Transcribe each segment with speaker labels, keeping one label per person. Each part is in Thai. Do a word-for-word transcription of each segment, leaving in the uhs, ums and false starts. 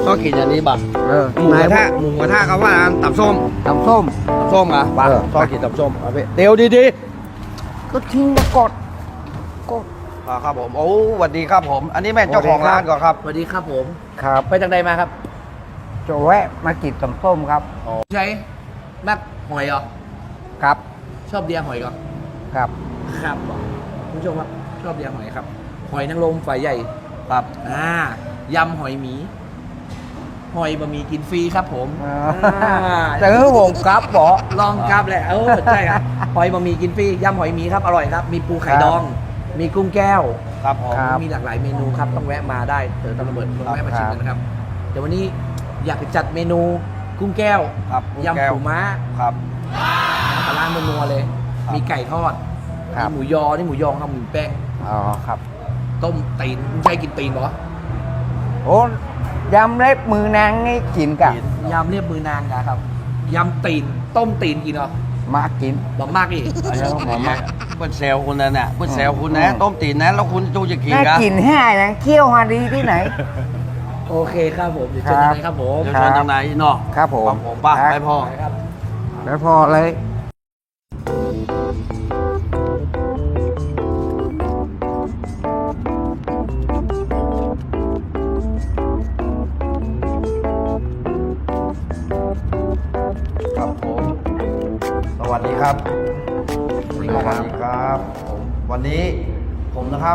Speaker 1: ก็กินอันนี้บัก
Speaker 2: เออ
Speaker 1: หมูกระทะหมูกระทะเขาว่าตับส้ม
Speaker 2: ตำส้ม
Speaker 1: ตับส้มอ่ะบัก
Speaker 2: เออ
Speaker 1: ชอบกินตับส้มเอาไปเดี๋ยวดี
Speaker 2: ก็ทิ้งมากดกด
Speaker 1: ๆอ่าครับผมโอ้สวัสดีครับผม อันนี้แม่เจ้าของร้านก่อนครับ
Speaker 3: สวัสดีครับผม
Speaker 2: ครับ
Speaker 3: ไปจากใดมาครับ
Speaker 2: จะแวะมากินตำส้มครับ
Speaker 3: ใช้นักหอยเหรอ
Speaker 2: ครับ
Speaker 3: ชอบเดียหอยเหรอ
Speaker 2: ครับ
Speaker 3: ครับคุณผู้ชมครับชอบเดียหอยครับ หอยนางรมฝายใหญ่
Speaker 1: ครับ
Speaker 3: อ่ายำหอยหมี หอยบะหมี่กินฟรีครับผม
Speaker 2: อ่า
Speaker 3: อ่า
Speaker 2: เจอผมครับบอ
Speaker 3: ลองครับแหละเออใช่ครับหอยบะหมี่กินฟรียำหอยหมีครับอร่อยครับ มีปูไข่
Speaker 2: ครับ
Speaker 3: ดอง มีกุ้งแก้ว
Speaker 1: ครับผม
Speaker 2: ครับ
Speaker 3: มีหลากหลายเมนูครับต้องแวะมาได้เต๋อตะระเบิดต้องแวะมาชิมกันนะครับเดี๋ยววันนี้อยากจะจัดเมนูกุ้งแก้ว
Speaker 1: ครับกุ้งแก้
Speaker 3: ยำ
Speaker 1: ว
Speaker 3: ปูม้า
Speaker 1: ครับ
Speaker 3: ปลาร้านัวๆเลย
Speaker 1: ครับ
Speaker 3: มีไก่ทอด
Speaker 2: ครับ
Speaker 3: มีหมูยอ นี่หมูยอครับหมูแป้ง
Speaker 2: อ๋อครับ
Speaker 3: ต้มตีนไม่ใช่กินตีนเหรอ
Speaker 2: โอ้ยำเล็บมือนางนี่กินกับ
Speaker 3: ยำเรียบมือนางนะครับ ยำตีน ต้มตีนกินเหรอ
Speaker 2: มากิน
Speaker 3: บอกมากอีก
Speaker 1: อันนี้ผมว่าเพื่อนแซวคุณนั่นน่ะเพื่อนแซวคุณนะ
Speaker 2: อืม
Speaker 1: ต้มตีนนะแล้วคุณจูจะกิน
Speaker 2: น่า
Speaker 1: กัน
Speaker 2: กินแห้ยังเคี่ยวฮาดีที่ไหน
Speaker 3: โอเคครับผม เดี๋ยวเจอกันเลยครับผม
Speaker 1: เดี๋ยวเชิญทางไหนเนาะ
Speaker 2: ครับผม
Speaker 1: ครับผมป่ะ
Speaker 2: ครับ
Speaker 1: ไปพ่อ
Speaker 3: ไปครับ
Speaker 2: แล้วพอเลย
Speaker 1: ครับผม สวัสดีครับ
Speaker 2: สวัสดี
Speaker 1: ส
Speaker 2: ครับ
Speaker 1: วัสดีครับผมวันนี้ผมนะครับ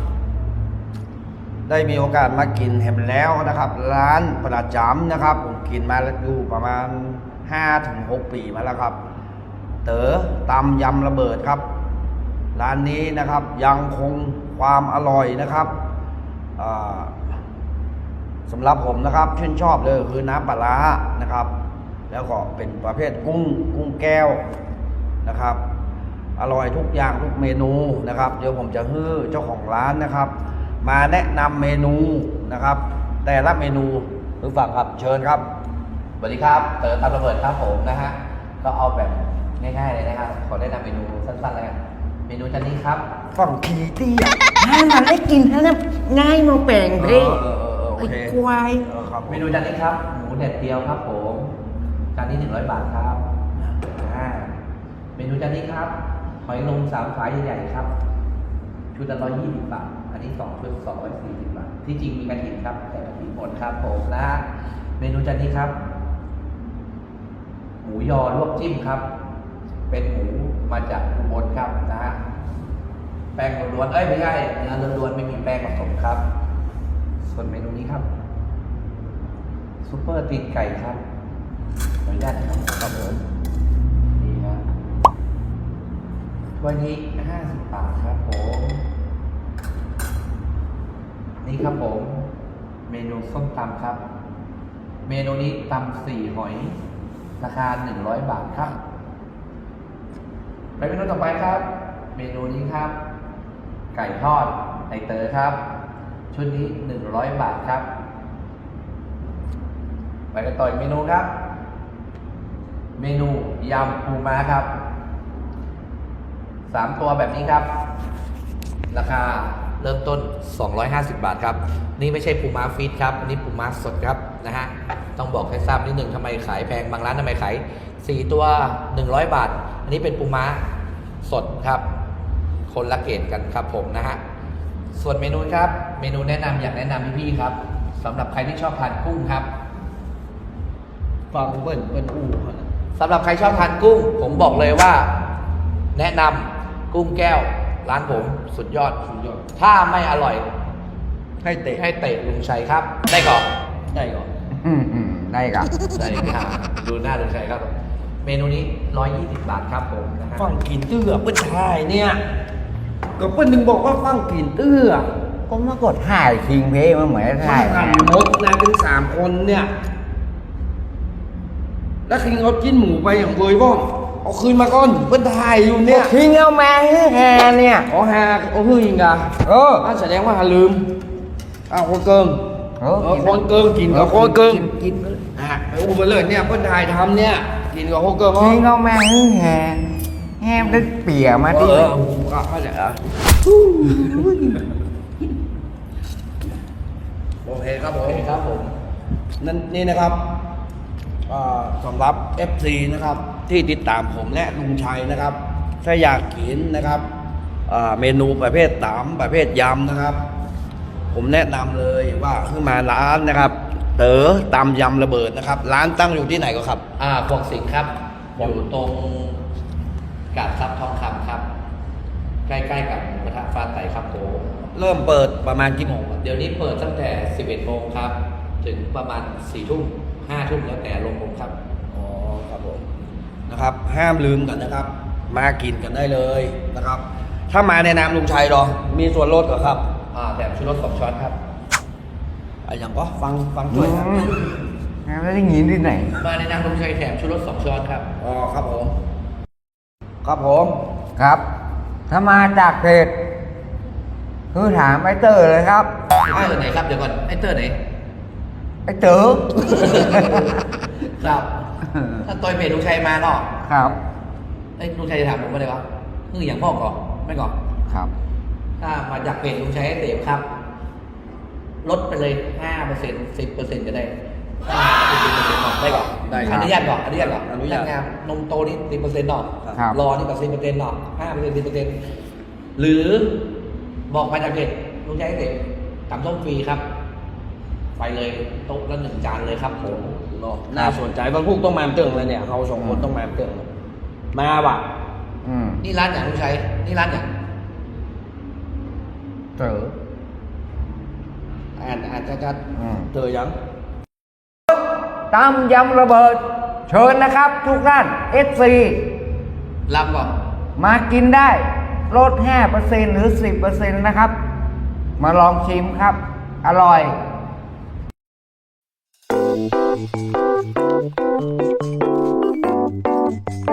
Speaker 1: ได้มีโอกาสมากินแฮมแล้วนะครับ ร้านประจำนะครับ ผมกินมาแล้วอยู่ประมาณ ห้าถึงหก ปีมาแล้วครับ เต๋อตำยำระเบิดครับ ร้านนี้นะครับยังคงความอร่อยนะครับอ่าสำหรับผมนะครับชื่นชอบเลยคือน้ำปลาร้านะครับ แล้วก็เป็นประเภทกุ้งกุ้งแก้วนะครับ อร่อยทุกอย่างทุกเมนูนะครับ เดี๋ยวผมจะฮื้อเจ้าของร้านนะครับ มาแนะนำเมนูนะครับ แต่ละเมนูหรือฝั่งครับเชิญครับ
Speaker 3: สวัสดีครับ เต๋อตามระเบิดครับผมนะฮะ ก็เอาแบบง่ายๆเลยนะครับ ขอแนะนำเมนูสั้นๆเลยกันเมนูจานนี้ครับ
Speaker 1: ฝั่งขีเตี้ย
Speaker 2: ให้มันได้กินให้นะง่ายมาแปลง
Speaker 1: เอ
Speaker 2: เพ่
Speaker 1: อเออเออโอ
Speaker 2: ไอ้
Speaker 1: เค
Speaker 2: ควาย
Speaker 1: เออครับผม
Speaker 3: เมนูจานนี้ครับ หมูแดดเดียวครับผมจานนี้หนึ่งร้อยบาทครับอ่าเมนูจานนี้ครับ หอยนางรมสามฝายใหญ่ๆครับ ชุดละร้อยยี่สิบบาท อันนี้สองชุดสองร้อยสี่สิบบาท ที่จริงมีกระถิ่นครับ แต่กระถิ่นหมดครับผมนะฮะ เมนูจานนี้ครับ หมูยอลวกจิ้มครับ เป็นหมูมาจากอุบลครับนะฮะ แป้งล้วนๆเอ้ยไม่ใช่เนื้อล้วนๆไม่มีแป้งผสมครับ ส่วนเมนูนี้ครับซุปเปอร์ตีนไก่ครับขออนุญาตนะครับครับผมนี่ครับถ้วยนี้ห้าสิบบาทครับผมนี่ครับผม เมนูส้มตำครับ เมนูนี้ตำสี่หอย ราคาหนึ่งร้อยบาทครับไปเมนูต่อไปครับ เมนูนี้ครับ ไก่ทอดไอเต๋อครับ ชุดนี้หนึ่งร้อยบาทครับ ไปกันต่ออีกเมนูครับ เมนูยำปูม้าครับสามตัวแบบนี้ครับ ราคาเริ่มต้นสองร้อยห้าสิบบาทครับ นี่ไม่ใช่ปูม้าฟีดครับอันนี้ปูม้าสดครับนะฮะต้องบอกให้ทราบนิดหนึ่งทำไมขายแพงบางร้านทำไมขายสี่ตัวหนึ่งร้อยบาท อันนี้เป็นปูม้าสดครับ คนละเกรดกันครับผมนะฮะส่วนเมนูครับ เมนูแนะนำอยากแนะนำพี่ๆครับสำหรับใครที่ชอบทานกุ้งครับ
Speaker 1: ฟังเปิ้ลเปิ้ลอู้เขานะ
Speaker 3: สำหรับใครชอบทานกุ้ง ผมบอกเลยว่า แนะนำกุ้งแก้ว ร้านผมสุดยอด
Speaker 1: สุดยอด
Speaker 3: ถ้าไม่อร่อย
Speaker 1: ให้เตะ
Speaker 3: ให้เตะลุงชัยครับ ได้ก่อน
Speaker 1: ได้ก่อน
Speaker 2: อืมอืมได้ครับ
Speaker 3: ได้ค่ะดูหน้าลุงชัยครับ เมนูนี้ร้อยยี่สิบบาทครับผมนะฮะ
Speaker 1: ฟังกินเตื้อเปิ้ลชายเนี่ยก็เปิ้ลหนึ่งบอกว่าฟังกินเตื้อ
Speaker 2: ก็มากดถ่ายคิงเพมันเหมือน
Speaker 1: มั
Speaker 2: ถ่าน ย
Speaker 1: ทำมดนะถึงสามคนเนี่ย แล้วคิงเอาจิ้นหมูไปอย่างเบยบ้องเอาคืนมาก่อนเปิ้ลถ่ายอยู่เนี่ย
Speaker 2: คิงเอามาให้แฮเนี่ย
Speaker 1: อ๋อฮาโอ้ฮือยิงกะ
Speaker 2: เออ
Speaker 1: อ่ะแสดงว่าหาลืมอ้าวคนเกิง
Speaker 2: เออ
Speaker 1: เออคนเกิงกินกับคนเกิง
Speaker 2: กินกินไปเลย
Speaker 1: อ่ะไปอู้ไปเลยเนี่ยเปิ้ลถ่ายทำเนี่ยกินกับคนเกิง
Speaker 2: คิงเอามาให้แฮแฮมได้เปียมา
Speaker 1: เอ
Speaker 2: ที่
Speaker 1: อโอ้โหก็เข้าใจอ่ะโอเคครับผ
Speaker 3: โอ
Speaker 1: ม
Speaker 3: เคครับผม
Speaker 1: นั่นนี่นะครับอ่าสำหรับ เอฟ ซี นะครับที่ติดตามผมและลุงชัยนะครับ ถ้าอยากกินนะครับอ่าเมนูประเภทตำประเภทยำนะครับ ผมแนะนำเลยว่าขึ้นมาร้านนะครับ เต๋อตำยำระเบิดนะครับ ร้านตั้งอยู่ที่ไหนก็ครับ
Speaker 3: อ่าพวกสิงห์ครับ อยู่ตรงกาดซับทองคำครับ ใกล้ๆกับหมูกระทะฟ้าไต่ครับผม
Speaker 1: เริ่มเปิดประมาณกี่โมงครับ
Speaker 3: เดี๋ยวนี้เปิดตั้งแต่ สิบเอ็ดโมงครับ ถึงประมาณ สี่ทุ่ม ห้าทุ่มแล้วแต่ลงผมครับ
Speaker 1: อ๋อครับผมนะครับ ห้ามลืมกันนะครับ มากินกันได้เลยนะครับ ถ้ามาในนามลุงชัยเหรอ มีส่วนลดเหรอครับ
Speaker 3: อ่าแต่ชูรสสองช้อนครับ
Speaker 1: อ่ะอย่างก็ฟังฟังช่วยครับ
Speaker 2: อืมแล้วได้ยินที่ไหน
Speaker 3: มาในนามลุงชัยแถมชูรสสองช้อนครับ
Speaker 1: อ๋อครับผม ครับผม
Speaker 2: ครับ ถ้ามาจากเพจคือถามไอ้เตอร์เลยครับ
Speaker 3: ไอ้เตอร์ไหนครับ เดี๋ยวก่อน ไอ้เตอร์ไหน
Speaker 2: ไอ้เต๋อ
Speaker 3: ครับ ถ้าตัวเพจลุงชัยมาเนาะ
Speaker 2: ครับ
Speaker 3: ไอ้ยลุงชัยจะถามผมว่าอะไรวะคืออย่างพ่อก่อนไม่ก่อน
Speaker 2: ครับ
Speaker 3: ถ้ามาจากเพจลุงชัยให้เสพครับ ลดไปเลยห้าเปอร์เซ็นต์สิบเปอร์เซ็นต์ก็ได้ถ้าเป็นสิบเปอร์เซ็นต์ก่อนได้ก่อน
Speaker 1: ได้ครับ
Speaker 3: อนุญาตก่อนอนุญาตก่อน
Speaker 1: อนุญาต
Speaker 3: งานนมโตนี่สิบเปอร์เซ็นต์หรอก
Speaker 2: ครับ
Speaker 3: รอนี่ก็สิบเปอร์เซ็นต์หรอกห้าเปอร์เซ็นต์สิบเปอร์เซ็นต์หรือบอกมาจากเพจลุงชัยให้เสพตำส้มฟรีครับ ไปเลยโต๊ะละหนึ่งจานเลยครับผม
Speaker 1: เนาะน่าสนใจบางพวกต้องมาเติ่งเลยเนี่ยเขาสองคนต้องมาเติ่งเลยมาว่ะ
Speaker 2: อืม
Speaker 3: นี่ร้านอย่างลุงชัยนี่ร้านอย่าง
Speaker 2: เต๋อ
Speaker 3: อ่านอ่านชัด
Speaker 2: อืม
Speaker 1: เจอยัง
Speaker 2: ตำยำระเบิด เชิญนะครับ ทุกท่าน เอฟ ซี
Speaker 3: ๆรับก่อน
Speaker 2: มากินได้ลด ห้าเปอร์เซ็นต์ หรือ สิบเปอร์เซ็นต์ นะครับ มาลองชิมครับ อร่อย
Speaker 4: Thank you.